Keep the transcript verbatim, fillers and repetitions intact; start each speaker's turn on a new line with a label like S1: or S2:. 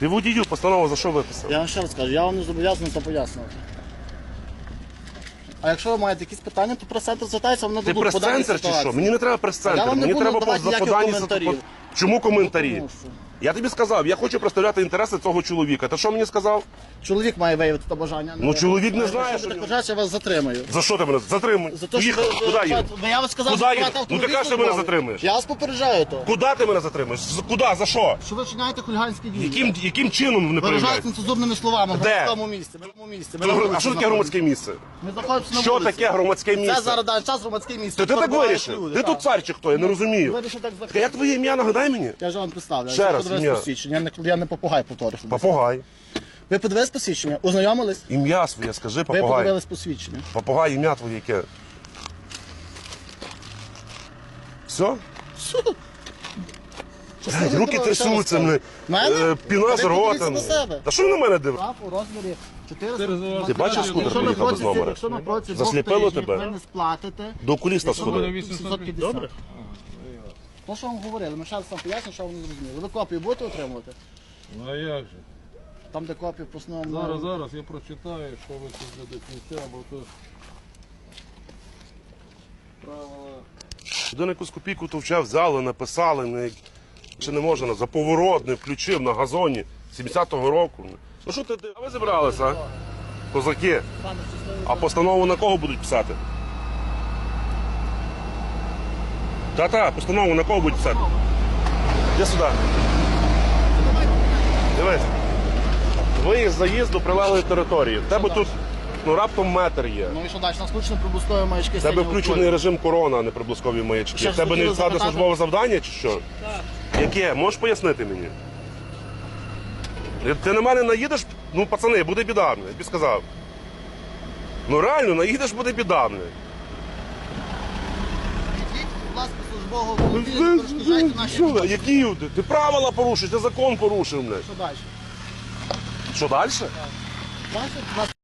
S1: Ти водію постанову за що виписав?
S2: Я вам ще раз кажу, я вам не зобов'язаний це пояснювати. А якщо ви маєте якісь питання, то прес-центр звертається, вони
S1: Ти
S2: дадуть по даній
S1: прес-центр чи що?
S2: ситуації.
S1: Мені не треба
S2: Я
S1: прес-центр,
S2: вам не
S1: мені
S2: буду
S1: треба по
S2: давати ніяких
S1: поданні.
S2: коментарів.
S1: Чому коментарі?
S2: Тому що
S1: Я тобі сказав, я хочу представляти інтереси цього чоловіка. Ти що мені сказав?
S2: Чоловік має виявити те бажання.
S1: Ну, чоловік не знає,
S2: Якщо
S1: що
S2: буде
S1: в
S2: бажати, я вас затримаю.
S1: За що ти мене затримуєш?
S2: За те, що
S1: Їхав.
S2: ви-
S1: Куди
S2: ви-
S1: їдеш?
S2: ви- Я вам сказав,
S1: Куди
S2: що
S1: їдеш?
S2: автомобіль
S1: Ну ти кажеш, що мене
S2: службовий.
S1: затримуєш.
S2: Я вас попереджаю то.
S1: Куди ти мене затримуєш? З- Куди? За що?
S2: Що ви вчиняєте хуліганські дії?
S1: Яким, яким чином вони
S2: Виражаєте
S1: проявляються?
S2: нецензурними словами в
S1: Де?
S2: громадському місці. В громадському місці. Ми на
S1: А
S2: вулиці
S1: що таке
S2: знаходимося.
S1: громадське місце?
S2: Ми знаходимося на
S1: Що
S2: вулиці.
S1: таке громадське
S2: Це
S1: місце?
S2: зараз даний час громадське місце.
S1: То ти так
S2: Перебувають
S1: вирішив?
S2: люди,
S1: Ти
S2: так.
S1: тут цар чи хто? Я не розумію.
S2: Вирішив так
S1: Як
S2: захистити.
S1: твоє ім'я, нагадай мені?
S2: Я ж вам представляю.
S1: Ще
S2: Ви
S1: раз,
S2: подивились
S1: ім'я.
S2: посвідчення. Я не, я не попугай, повторюю.
S1: Попугай.
S2: Ви подивились посвідчення? Ознайомились?
S1: Ім'я своє, скажи,
S2: Ви
S1: попугай.
S2: подивились посвідчення.
S1: Попугай, ім'я твоє яке? Все? Блядь, руки трясуться, мене.
S2: Мене?
S1: Е, Піна з
S2: Ви
S1: рота.
S2: подивіться на себе.
S1: Та що ви на мене дивитесь?
S2: Штраф у розмірі чотириста.
S1: Ти бачиш, скутер
S2: Якщо на
S1: приїхав без
S2: протязі-
S1: номера?
S2: Якщо на протязі двох
S1: Засліпило
S2: тижнів
S1: тебе?
S2: ви не сплатите,
S1: До окуліста
S2: якщо
S1: сходи.
S2: ви сімсот п'ятдесят.
S1: Добре.
S2: То, що вам говорили, ми ще раз вам поясню, що ви не зрозуміли. Ви копію будете отримувати?
S3: Ну а як же?
S2: Там, де копію по основному.
S3: Зараз, зараз я прочитаю, що ви тут до кінця, бо то правила.
S1: Один якусь копійку товча взяли, написали, не... чи не можна, за поворот не включив на газоні сімдесятого року. Ну що ти, а ви зібралися, а? Козаки.
S2: Пане, щасливий
S1: А постанову на кого будуть писати? Та-та, постанову на кого будуть писати? Іди сюди. Дивись. Виїзд, заїзд до прилеглої території. В тебе тут ну, раптом метр є.
S2: Ну і що далі? У нас включено прибустові маячки.
S1: В тебе
S2: синього
S1: включений
S2: кольору.
S1: режим корона, а не приблизкові маячки.
S2: Ще
S1: В тебе
S2: хотіли
S1: невідкладне
S2: запитати?
S1: службове завдання чи що? Так. Яке? Можеш пояснити мені? Ти на мене наїдеш, ну пацани, буде біда, я тобі сказав. Ну реально, наїдеш, буде біда.
S2: Відійдіть, будь ласка, службового автомобіля, не перешкоджайте наші.
S1: Що, ви? Які? Ти, ти правила порушиш, ти закон порушив. Блядь.
S2: Що далі?
S1: Що далі?
S2: Бачите, у нас